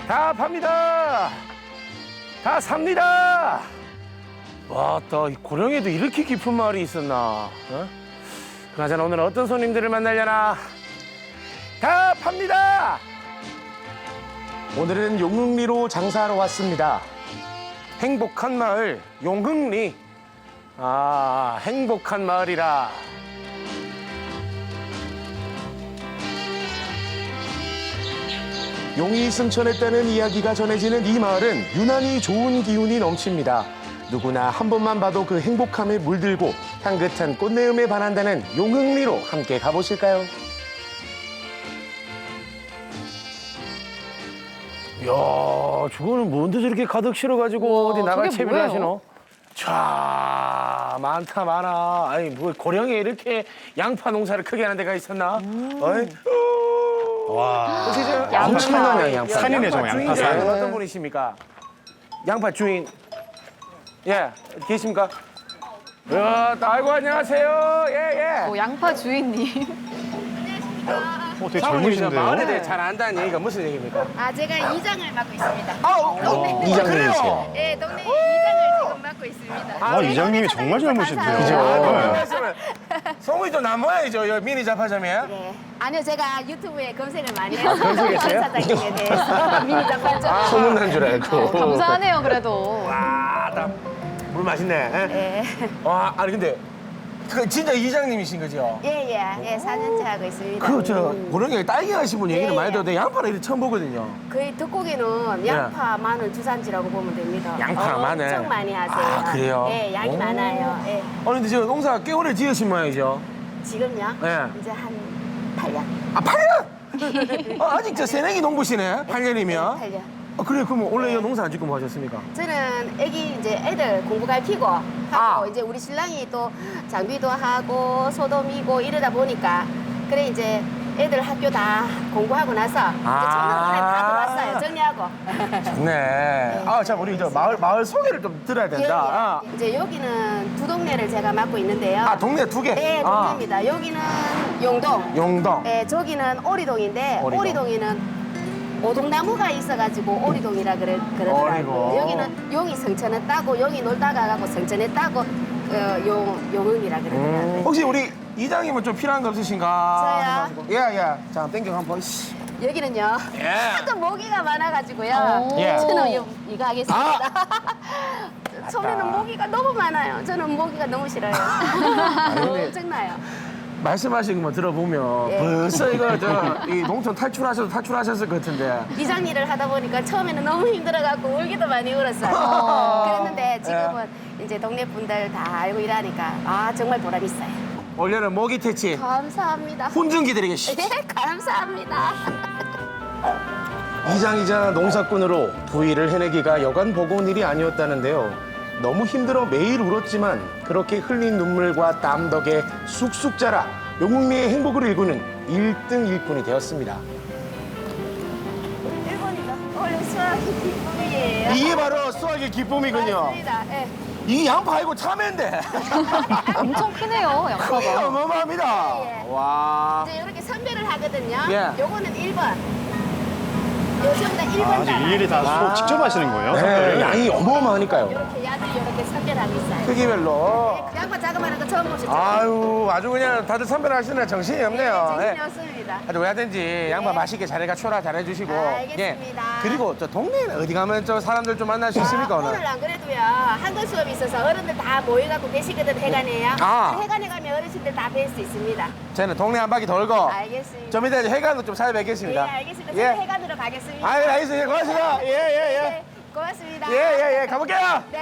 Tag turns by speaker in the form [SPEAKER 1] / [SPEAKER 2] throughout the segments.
[SPEAKER 1] 다 팝니다. 다 삽니다. 와, 또 고령에도 이렇게 깊은 마을이 있었나? 어? 그나저나 오늘 어떤 손님들을 만나려나? 다 팝니다. 오늘은 용흥리로 장사하러 왔습니다. 행복한 마을 용흥리. 아, 행복한 마을이라. 용이 승천했다는 이야기가 전해지는 이 마을은 유난히 좋은 기운이 넘칩니다. 누구나 한 번만 봐도 그 행복함에 물들고 향긋한 꽃내음에 반한다는 용흥리로 함께 가보실까요? 이야, 저거는 뭔데 저렇게 가득 실어가지고
[SPEAKER 2] 우와,
[SPEAKER 1] 어디 나갈
[SPEAKER 2] 저게
[SPEAKER 1] 채비를
[SPEAKER 2] 뭐예요?
[SPEAKER 1] 하시노? 자, 많다 많아. 아니 뭐 고령에 이렇게 양파 농사를 크게 하는 데가 있었나? 어이?
[SPEAKER 3] 와.
[SPEAKER 1] 혹시 저
[SPEAKER 2] 양파.
[SPEAKER 1] 엄청난 양파.
[SPEAKER 3] 산이네, 저 양파 산.
[SPEAKER 1] 어떤 분이십니까? 양파 주인. 예, 계십니까? 아이고 안녕하세요. 예, 예.
[SPEAKER 2] 양파 주인님.
[SPEAKER 3] 되게
[SPEAKER 1] 사모님이나 마을에
[SPEAKER 3] 젊으신데요?
[SPEAKER 1] 대해 잘 안다는 얘기가 무슨 얘기입니까?
[SPEAKER 4] 아, 제가 이장을 맡고 있습니다.
[SPEAKER 1] 이장님이세요.
[SPEAKER 4] 네, 동네 이장을 지금 맡고 있습니다.
[SPEAKER 3] 아, 이장님이 정말 젊으신데요?
[SPEAKER 1] 그죠?
[SPEAKER 3] 네.
[SPEAKER 1] 성우이 또 남아야죠. 여기 미니 잡화점이야.
[SPEAKER 4] 네. 아니요, 제가 유튜브에 검색을 많이 해서
[SPEAKER 1] 검색했어요?
[SPEAKER 4] 사장님에 대해서 미니 잡화점.
[SPEAKER 1] 소문난 줄 알고.
[SPEAKER 2] 감사하네요, 그래도.
[SPEAKER 1] 와, 물 맛있네. 예?
[SPEAKER 4] 네.
[SPEAKER 1] 와, 아니 근데 그 진짜 이장님이신 거죠?
[SPEAKER 4] 예, 예, 예, 4년째 하고 있습니다.
[SPEAKER 1] 그 저 고령에 딸기 하신 분 얘기는
[SPEAKER 4] 예,
[SPEAKER 1] 많이
[SPEAKER 4] 예.
[SPEAKER 1] 들었는데 양파는 이렇게 처음 보거든요.
[SPEAKER 4] 거의 덕고기는 양파, 마늘 주산지라고 보면 됩니다.
[SPEAKER 1] 양파, 마늘.
[SPEAKER 4] 엄청 많이 하세요.
[SPEAKER 1] 아, 그래요?
[SPEAKER 4] 예, 양이
[SPEAKER 1] 오.
[SPEAKER 4] 많아요. 예.
[SPEAKER 1] 아니 근데 저 농사 꽤 오래 지으신 모양이죠?
[SPEAKER 4] 지금요?
[SPEAKER 1] 예.
[SPEAKER 4] 이제 한 8년.
[SPEAKER 1] 아, 8년? 아직 저 새내기 농부시네? 8년이면?
[SPEAKER 4] 8년.
[SPEAKER 1] 그래, 그럼 원래 이 농사 안 짓고 뭐 하셨습니까?
[SPEAKER 4] 저는 애들 공부 가르치고 하고
[SPEAKER 1] 아.
[SPEAKER 4] 이제 우리 신랑이 또 장비도 하고 소도미고 이러다 보니까 그래 이제 애들 학교 다 공부하고 나서 이제 저는 그래 다 들어왔어요. 정리하고.
[SPEAKER 1] 좋네. 아, 자, 우리 저 마을 소개를 좀 들어야 된다.
[SPEAKER 4] 예, 예. 이제 여기는 두 동네를 제가 맡고 있는데요.
[SPEAKER 1] 아, 동네 두 개?
[SPEAKER 4] 네,
[SPEAKER 1] 아,
[SPEAKER 4] 동네입니다. 여기는 용동.
[SPEAKER 1] 용동.
[SPEAKER 4] 네, 저기는 오리동인데
[SPEAKER 1] 오리동.
[SPEAKER 4] 오리동에는 오동나무가 있어가지고 오리동이라
[SPEAKER 1] 오리동.
[SPEAKER 4] 그러더라고요. 여기는 용이 성천에 따고 용이 놀다가 가고 성천에 따고 용흥이라 그러더라고요.
[SPEAKER 1] 혹시 우리 이장님은 좀 필요한 거 없으신가?
[SPEAKER 4] 저요?
[SPEAKER 1] 예, 예. 자, 땡겨 한번. 씨.
[SPEAKER 4] 여기는요.
[SPEAKER 1] 예.
[SPEAKER 4] 하도 모기가 많아가지고요.
[SPEAKER 2] 예.
[SPEAKER 4] 저는 이거 하겠습니다.
[SPEAKER 1] 아!
[SPEAKER 4] 처음에는 모기가 너무 많아요. 저는 모기가 너무 싫어요.
[SPEAKER 1] 근데-
[SPEAKER 4] 엄청나요.
[SPEAKER 1] 말씀하신 것만 들어보면
[SPEAKER 4] 예.
[SPEAKER 1] 벌써 이거 이 농촌 탈출하셨을 것 같은데.
[SPEAKER 4] 이장 일을 하다 보니까 처음에는 너무 힘들어갖고 울기도 많이 울었어요. 그랬는데 지금은 이제 동네 분들 다 알고 일하니까 아 정말 보람 있어요.
[SPEAKER 1] 올해는 모기 퇴치
[SPEAKER 4] 감사합니다.
[SPEAKER 1] 훈증기 드리겠습니다.
[SPEAKER 4] 네, 감사합니다.
[SPEAKER 1] 이장이자 농사꾼으로 부위를 해내기가 여간 버거운 일이 아니었다는데요. 너무 힘들어 매일 울었지만 그렇게 흘린 눈물과 땀 덕에 쑥쑥 자라 용흥리의 행복을 일구는 1등 일꾼이 되었습니다.
[SPEAKER 4] 1번이다. 원래 수학이 기쁨이에요.
[SPEAKER 1] 이게 바로 수학의 기쁨이군요.
[SPEAKER 4] 맞습니다. 예.
[SPEAKER 1] 이 양파 아니고 참외인데.
[SPEAKER 2] 엄청 크네요,
[SPEAKER 1] 크기
[SPEAKER 2] 양파가.
[SPEAKER 1] 어마어마합니다.
[SPEAKER 4] 예.
[SPEAKER 1] 와.
[SPEAKER 4] 이제 이렇게 선별을 하거든요.
[SPEAKER 1] 예.
[SPEAKER 4] 요거는 1번. 요 전부 다 1번
[SPEAKER 3] 아, 이제 일일이 다 수업 직접 하시는 거예요?
[SPEAKER 1] 네,
[SPEAKER 3] 선별을?
[SPEAKER 1] 양이 어마어마하니까요.
[SPEAKER 4] 이렇게 야들 이렇게 선별하고 있어요.
[SPEAKER 1] 크기별로.
[SPEAKER 4] 양파 자그마한 거 처음 보셨죠?
[SPEAKER 1] 아유, 아주 그냥 다들 선별하시느라 정신이 없네요.
[SPEAKER 4] 정신이
[SPEAKER 1] 예.
[SPEAKER 4] 없습니다.
[SPEAKER 1] 아주 왜든지 양파 맛있게 잘 초라 잘해주시고.
[SPEAKER 4] 알겠습니다.
[SPEAKER 1] 그리고 저 동네에는 어디 가면 저 사람들 좀 만날 수 있습니까 오늘?
[SPEAKER 4] 오늘 안 그래도요 한글 수업이 있어서 어른들 다 모여갖고 계시거든 해관에요.
[SPEAKER 1] 아.
[SPEAKER 4] 해관에 가면 어르신들 다 뵐 수 있습니다.
[SPEAKER 1] 저는 동네 한 바퀴 돌고
[SPEAKER 4] 알겠습니다.
[SPEAKER 1] 좀 이따 이제 해관도 좀 찾아뵙겠습니다.
[SPEAKER 4] 예, 알겠습니다.
[SPEAKER 1] 예.
[SPEAKER 4] 저는 해관으로 가겠습니다.
[SPEAKER 1] 아유, 알겠습니다. 고맙습니다.
[SPEAKER 4] 네, 고맙습니다.
[SPEAKER 1] 예. 가볼게요.
[SPEAKER 4] 네.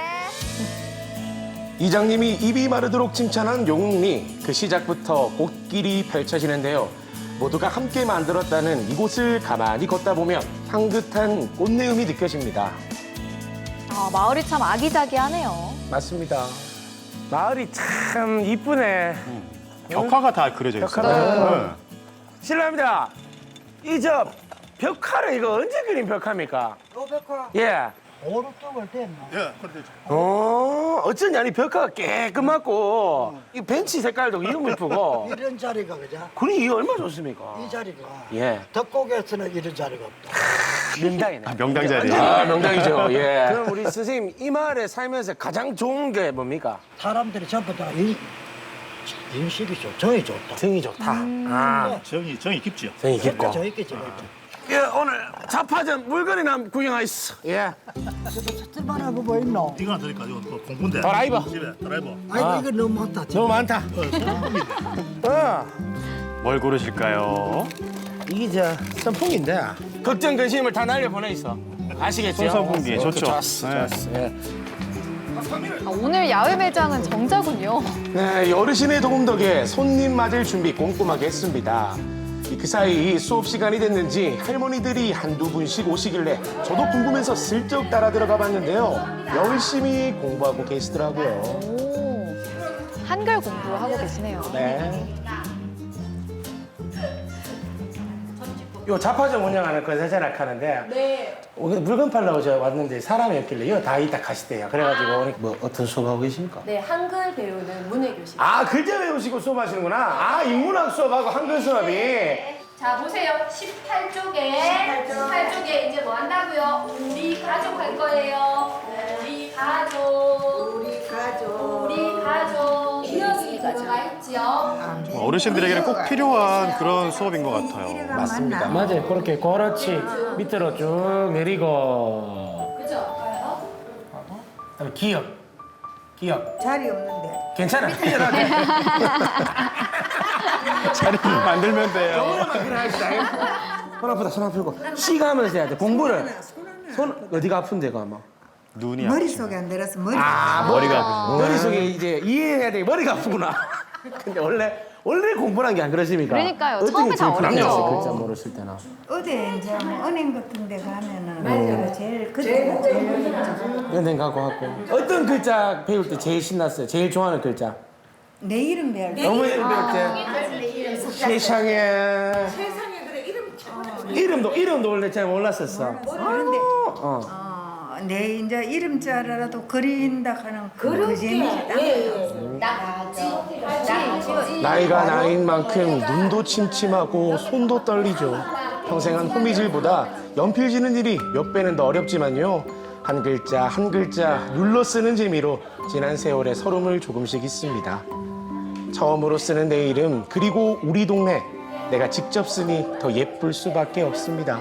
[SPEAKER 1] 이장님이 입이 마르도록 칭찬한 용흥리. 그 시작부터 꽃길이 펼쳐지는데요. 모두가 함께 만들었다는 이곳을 가만히 걷다 보면 향긋한 꽃내음이 느껴집니다.
[SPEAKER 2] 아, 마을이 참 아기자기하네요.
[SPEAKER 1] 맞습니다. 마을이 참 이쁘네.
[SPEAKER 3] 벽화가 다 그려져 있어요.
[SPEAKER 1] 벽화가.
[SPEAKER 3] 네.
[SPEAKER 1] 실례합니다. 이 저 벽화를 이거 언제 그린 벽화입니까?
[SPEAKER 5] 벽화
[SPEAKER 1] 예.
[SPEAKER 5] 오른쪽을 댔나?
[SPEAKER 3] 예, 그렇죠.
[SPEAKER 1] 어쩐지 아니 벽화가 깨끗하고 이 벤치 색깔도 이름 이쁘고.
[SPEAKER 5] 이런 자리가 그죠?
[SPEAKER 1] 그리 이 얼마 좋습니까?
[SPEAKER 5] 이 자리가
[SPEAKER 1] 예.
[SPEAKER 5] 덕곡에서는 이런 자리가 없다.
[SPEAKER 1] 명당이네.
[SPEAKER 3] 아, 명당 자리.
[SPEAKER 1] 아, 명당이죠. 예. 그럼 우리 선생님 이 마을에 살면서 가장 좋은 게 뭡니까?
[SPEAKER 5] 사람들이 전부 다 인식이 좋, 정이 좋다.
[SPEAKER 1] 정이 좋다. 아,
[SPEAKER 3] 정이 깊죠.
[SPEAKER 1] 정이 깊고.
[SPEAKER 5] 저 있겠지.
[SPEAKER 1] 예, 오늘 자파점 물건이나 구경하시오. 예.
[SPEAKER 5] 쓸만하고 뭐 있노?
[SPEAKER 6] 이거 하나 드릴까? 이거 뭐 공군대.
[SPEAKER 1] 드라이버.
[SPEAKER 6] 집에 드라이버.
[SPEAKER 5] 아이고 이거 너무 많다.
[SPEAKER 1] 너무 많다. 어.
[SPEAKER 3] 뭘 고르실까요?
[SPEAKER 1] 이게 저 선풍기인데 걱정 근심을 다 날려보내 있어. 아시겠죠?
[SPEAKER 3] 손선풍기 좋죠.
[SPEAKER 1] 좋았어,
[SPEAKER 3] 네.
[SPEAKER 1] 좋았어. 예.
[SPEAKER 2] 아, 오늘 야외 매장은 정자군요.
[SPEAKER 1] 네, 어르신의 도움 덕에 손님 맞을 준비 꼼꼼하게 했습니다. 그 사이 수업 시간이 됐는지 할머니들이 한두 분씩 오시길래 저도 궁금해서 슬쩍 따라 들어가 봤는데요. 열심히 공부하고 계시더라고요.
[SPEAKER 2] 오, 한글 공부하고 계시네요.
[SPEAKER 1] 네. 요 자파점 운영하는 건설자락 하는데
[SPEAKER 7] 네,
[SPEAKER 1] 물건 팔러 왔는데 사람이 없길래 이거 다 이따 가시대요. 그래가지고 뭐 어떤 수업하고 계십니까?
[SPEAKER 7] 네, 한글 배우는 문해교실.
[SPEAKER 1] 아, 글자 배우시고 수업하시는구나. 아, 인문학 수업하고 한글 수업이.
[SPEAKER 7] 자, 보세요. 18쪽에 이제 뭐 한다고요? 우리 가족 할 거예요. 우리 가족. 이어지기 들어가 있지요.
[SPEAKER 3] 어르신들에게는 꼭 필요한 그런 수업인 것 같아요.
[SPEAKER 1] 맞습니다. 맞아요. 그렇게 그렇지. 밑으로 쭉 내리고.
[SPEAKER 7] 그죠? 봐요.
[SPEAKER 1] 그다음에 기억.
[SPEAKER 5] 자리 없는데.
[SPEAKER 1] 괜찮아. 편하게.
[SPEAKER 3] 자리 만들면 돼요.
[SPEAKER 1] 너무나만 그래야겠다. 손 아프다. 손 아프고. 쉬가 하면서 해야 돼. 공부를. 손 어디가 아픈데 가 막.
[SPEAKER 3] 눈이 아프시네.
[SPEAKER 8] 머릿속에 안 들어서 머리
[SPEAKER 3] 머리가 아프시네.
[SPEAKER 1] 머릿속에 이제 이해해야 돼. 머리가 아프구나. 근데 원래 공부란 게 안 그러십니까?
[SPEAKER 2] 그러니까요.
[SPEAKER 1] 어떤
[SPEAKER 2] 처음에
[SPEAKER 1] 게
[SPEAKER 2] 다
[SPEAKER 1] 제일 불안해요?
[SPEAKER 2] 어렵죠.
[SPEAKER 1] 글자 모르실 때나.
[SPEAKER 8] 어디 이제 뭐 은행 같은 데 가면은 제일 그때가 제일
[SPEAKER 1] 연행 가고 하고. 어떤 글자 배울 때 제일 신났어요? 제일 좋아하는 글자?
[SPEAKER 8] 내 이름 배울 때
[SPEAKER 1] 너무 이름 배울 때. 세상에. 이름도 원래 잘 몰랐었어.
[SPEAKER 8] 그런데
[SPEAKER 1] 어.
[SPEAKER 8] 내 이제 이름자라도 그린다 하는 그 재미있다.
[SPEAKER 1] 나이가 나이인 만큼 눈도 침침하고 손도 떨리죠. 평생 한 호미질보다 연필 지는 일이 몇 배는 더 어렵지만요. 한 글자 눌러 쓰는 재미로 지난 세월의 서름을 조금씩 잊습니다. 처음으로 쓰는 내 이름 그리고 우리 동네 내가 직접 쓰니 더 예쁠 수밖에 없습니다.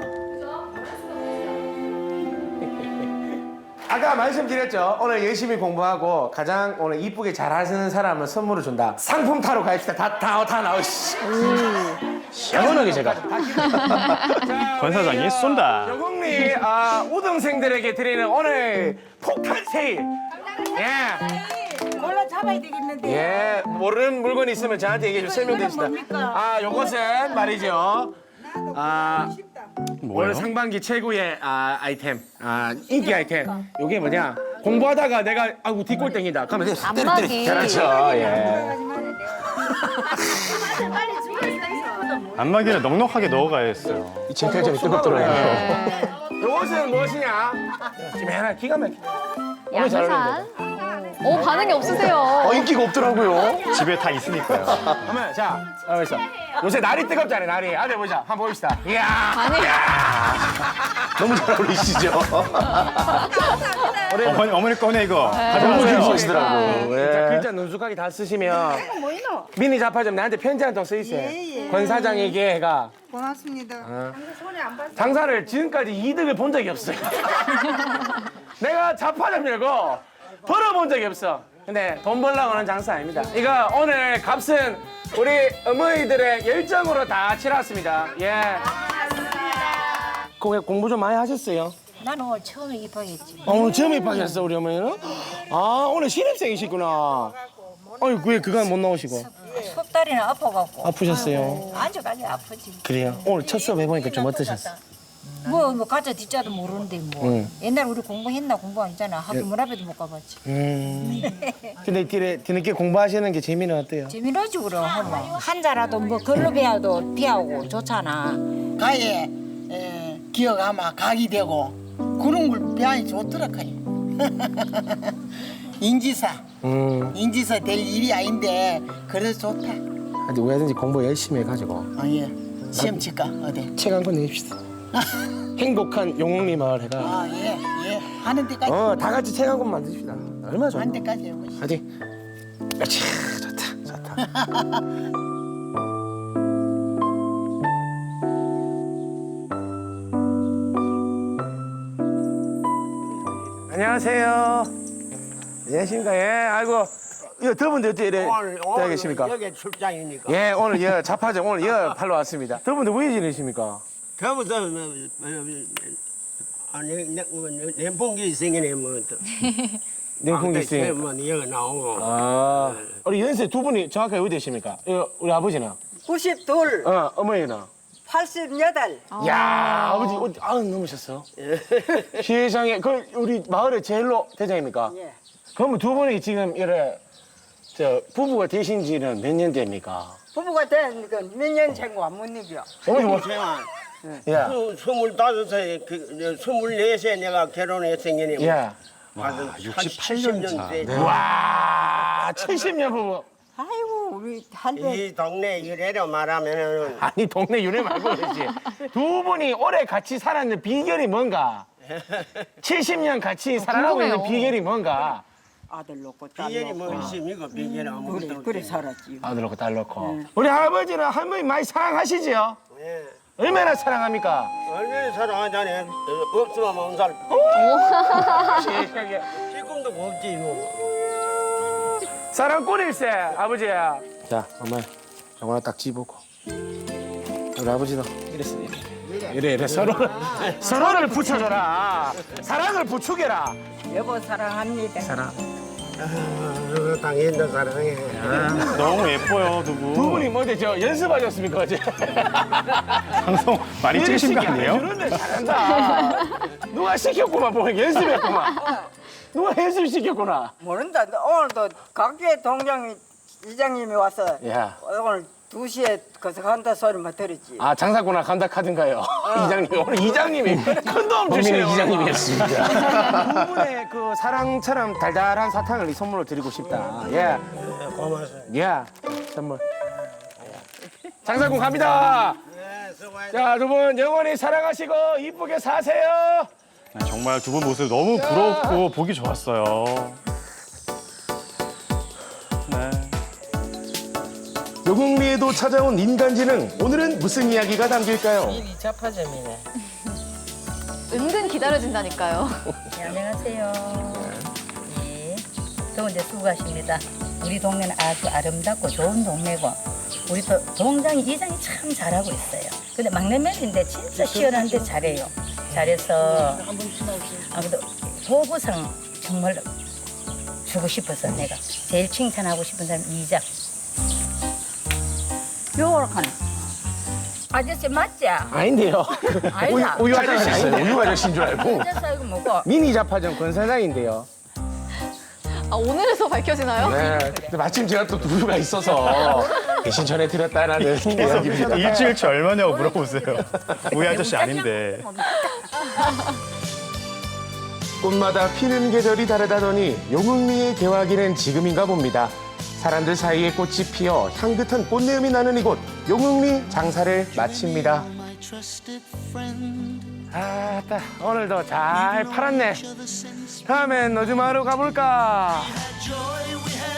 [SPEAKER 1] 아까 말씀드렸죠. 오늘 열심히 공부하고 가장 오늘 이쁘게 잘하시는 사람은 선물을 준다. 상품 타러 가입시다. 다 나오시. 시원하게 제가.
[SPEAKER 3] 권 사장이 쏜다.
[SPEAKER 1] 영국리 우등생들에게 드리는 오늘 폭탄 세일. 예.
[SPEAKER 8] 골라 잡아야 되겠는데.
[SPEAKER 1] 예. 모르는 물건이 있으면 저한테 얘기해 주세요. 설명드립시다. 요것은 말이죠.
[SPEAKER 3] 뭐예요?
[SPEAKER 1] 올 상반기 최고의 아이템, 인기 아이템. 요게 뭐냐? 공부하다가 내가 뒷골땡이다. 그러면 이제
[SPEAKER 2] 안마기.
[SPEAKER 1] 그렇죠. 예.
[SPEAKER 3] 안마기를 넉넉하게 넣어가야 했어요.
[SPEAKER 1] 이 쟁탈전이 뜨겁더라고요. 요것은 무엇이냐? 지금 하나 기가 막혀. 너무 잘
[SPEAKER 2] 양산.
[SPEAKER 1] 어울린다.
[SPEAKER 2] 오, 반응이 없으세요.
[SPEAKER 1] 인기가 없더라고요.
[SPEAKER 3] 집에 다 있으니까요.
[SPEAKER 1] 그러면 자, 여기서 요새 날이 뜨겁잖아요. 날이. 아들 보자. 한번 봅시다. 이야.
[SPEAKER 2] 아니.
[SPEAKER 1] 너무 잘 어울리시죠?
[SPEAKER 3] 어머니 꺼내 이거.
[SPEAKER 1] 너무
[SPEAKER 3] 가져가세요.
[SPEAKER 1] 좋아하시더라고.
[SPEAKER 2] 네.
[SPEAKER 1] 진짜 글자 능숙하게 다 쓰시면 미니 자파점 나한테 편지 한 통 쓰이세요.
[SPEAKER 8] 예.
[SPEAKER 1] 권 사장에게 해가
[SPEAKER 8] 고맙습니다.
[SPEAKER 1] 장사를 지금까지 이득을 본 적이 없어요. 내가 자파점 열고 벌어본 적이 없어. 근데 돈 벌려고 하는 장사 아닙니다. 이거 오늘 값은 우리 어머니들의 열정으로 다 치렀습니다. 예. 공부 좀 많이 하셨어요?
[SPEAKER 8] 나는 오늘 처음에 입학했지.
[SPEAKER 1] 오늘 처음 입학했어 우리 어머니는? 오늘 신입생이시구나. 왜 그간 못 나오시고?
[SPEAKER 8] 속다리는 아파갖고.
[SPEAKER 1] 아프셨어요?
[SPEAKER 8] 아주까지 아프지.
[SPEAKER 1] 그래요? 오늘 첫 수업 해보니까 좀 어떠셨어?
[SPEAKER 8] 뭐 가짜 뒷자도 모르는데 뭐.
[SPEAKER 1] 응.
[SPEAKER 8] 옛날 우리 공부했나 공부 안 했잖아. 학교 문 앞에도 못 가봤지.
[SPEAKER 1] 근데 뒤늦게 공부하시는 게 재미는 어때요?
[SPEAKER 8] 재미나지 그럼 하면. 한자라도 뭐 글로 배워도 피하고 좋잖아.
[SPEAKER 5] 가에 기억 아마 각이 되고 그런 걸 배하니 좋더라 카이. 인지사 될 일이 아닌데 그래서 좋다.
[SPEAKER 1] 하여튼 왜든지 공부 열심히 해가지고
[SPEAKER 5] 예. 시험 칠까 어디?
[SPEAKER 1] 책 한 권 내십시다. 행복한 용웅리 마을 해가.
[SPEAKER 5] 아, 예, 예. 하는 데까지.
[SPEAKER 1] 다 같이 책 한 권 만드십시다. 얼마 좋아.
[SPEAKER 5] 하는 데까지 해보시.
[SPEAKER 1] 화이팅. 그렇지. 좋다. 좋다. 안녕하세요. 안녕하십니까. 예, 아이고. 이거 더분들 어떻게 이래 되어 계십니까?
[SPEAKER 6] 여기 출장이니까.
[SPEAKER 1] 예, 오늘 여 자파점 오늘 여 팔러 왔습니다. 더분들 왜 지내십니까?
[SPEAKER 6] 더부터 냉풍기 생기네 뭐.
[SPEAKER 1] 냉풍기 있으니.
[SPEAKER 6] 뭐 여기 나오고.
[SPEAKER 1] 아, 우리 연세 두 분이 정확하게 어디 되십니까? 우리 아버지는?
[SPEAKER 5] 92,
[SPEAKER 1] 어머니는?
[SPEAKER 5] 88.
[SPEAKER 1] 야, 아버지, 넘으셨어. 시장에, 우리 마을의 제일로 대장입니까?
[SPEAKER 5] 예.
[SPEAKER 1] 그러면 두 분이 지금 부부가 되신 지는 몇 년 됩니까?
[SPEAKER 5] 부부가 된 건 몇 년 전과 못 이겨.
[SPEAKER 1] 어머니 뭐?
[SPEAKER 6] 제가
[SPEAKER 1] 야,
[SPEAKER 6] 25세, 24세 내가 결혼했으니.
[SPEAKER 1] 야.
[SPEAKER 6] 와,
[SPEAKER 3] 68년 차.
[SPEAKER 6] 네.
[SPEAKER 1] 와, 70년 부부.
[SPEAKER 5] 아이고, 우리 한대
[SPEAKER 6] 이 동네 이래로 말하면은
[SPEAKER 1] 아니, 동네 유래 말고 그러지. 두 분이 오래 같이 살았는 비결이 뭔가? 70년 같이 살아가고 있는
[SPEAKER 2] 궁금해요.
[SPEAKER 1] 비결이 뭔가?
[SPEAKER 5] 아들 놓고 딸
[SPEAKER 6] 비결이
[SPEAKER 5] 놓고.
[SPEAKER 6] 뭐 있습니까? 비결이 아무것도
[SPEAKER 5] 그래 살았지.
[SPEAKER 1] 아들 놓고 딸 놓고. 우리 아버지는 할머니 많이 사랑하시지요?
[SPEAKER 6] 예.
[SPEAKER 1] 얼마나 사랑합니까?
[SPEAKER 6] 얼마나 사랑하자네. 없으면 못 살.
[SPEAKER 1] 세상에.
[SPEAKER 6] 지금도 없지 뭐.
[SPEAKER 1] 사랑꾼일세, 아버지야. 자, 어머니, 저거나 딱 집어고. 우리 아버지도 이랬어, 이래. 서로를 붙여줘라. 사랑을 부추겨라.
[SPEAKER 5] 여보 사랑합니다.
[SPEAKER 1] 사랑.
[SPEAKER 6] 당연히 사랑해.
[SPEAKER 3] 너무 예뻐요, 두 분.
[SPEAKER 1] 두 분이 뭐지, 연습하셨습니까, 어제?
[SPEAKER 3] 방송 많이 찍으신 거 아니에요?
[SPEAKER 1] 그런데 잘한다. 누가 시켰구만, 보니 연습했구만. 누가 연습시켰구나.
[SPEAKER 5] 모른다. 오늘도 각주의 동장 이장님이 와서
[SPEAKER 1] 야.
[SPEAKER 5] 오늘 2시에 거기서 간다 소리만 들었지.
[SPEAKER 1] 아, 장사구나 간다 카든가요? 이장님, 오늘 이장님이 큰 도움 주시네요. 이장님이었습니다. 두 분의 그 사랑처럼 달달한 사탕을 이 선물로 드리고 싶다. 예.
[SPEAKER 6] 고맙습니다.
[SPEAKER 1] 예. 선물. 장사꾼 갑니다.
[SPEAKER 6] 네, 수고하셨습니다.
[SPEAKER 1] 자, 두 분 영원히 사랑하시고 이쁘게 사세요.
[SPEAKER 3] 정말 두 분 모습 너무 부럽고 보기 좋았어요. 네.
[SPEAKER 1] 영웅리에도 찾아온 인간지능. 오늘은 무슨 이야기가 담길까요?
[SPEAKER 6] 이 자파점이네.
[SPEAKER 2] 은근 기다려진다니까요.
[SPEAKER 9] 네, 안녕하세요. 예, 더운데 수고하십니다. 우리 동네는 아주 아름답고 좋은 동네고 우리 또 동장이 이장이 참 잘하고 있어요. 근데 막내 며느리인데 진짜 시원한데 잘해요. 잘해서 아무래도 보고상 정말 주고 싶어서 내가 제일 칭찬하고 싶은 사람 이장. 요렇게 아저씨 맞지?
[SPEAKER 1] 아닌데요.
[SPEAKER 9] 아니다.
[SPEAKER 1] 우유 아저씨 아닌데 우유 아저씨인 줄 알고.
[SPEAKER 9] 아저씨 이거 뭐고?
[SPEAKER 1] 미니 자파점 권사장인데요.
[SPEAKER 2] 아, 오늘에서 밝혀지나요?
[SPEAKER 1] 네. 근데 마침 제가 또 두유가 있어서 대신 전해드렸다라는 이야기입니다.
[SPEAKER 3] 일주일치 얼마냐고 물어보세요. 우리 아저씨 아닌데.
[SPEAKER 1] 꽃마다 피는 계절이 다르다더니 용흥리의 개화기는 지금인가 봅니다. 사람들 사이에 꽃이 피어 향긋한 꽃내음이 나는 이곳 용흥리 장사를 마칩니다. 아따 오늘도 잘 팔았네. 다음엔 노즈마루 가볼까?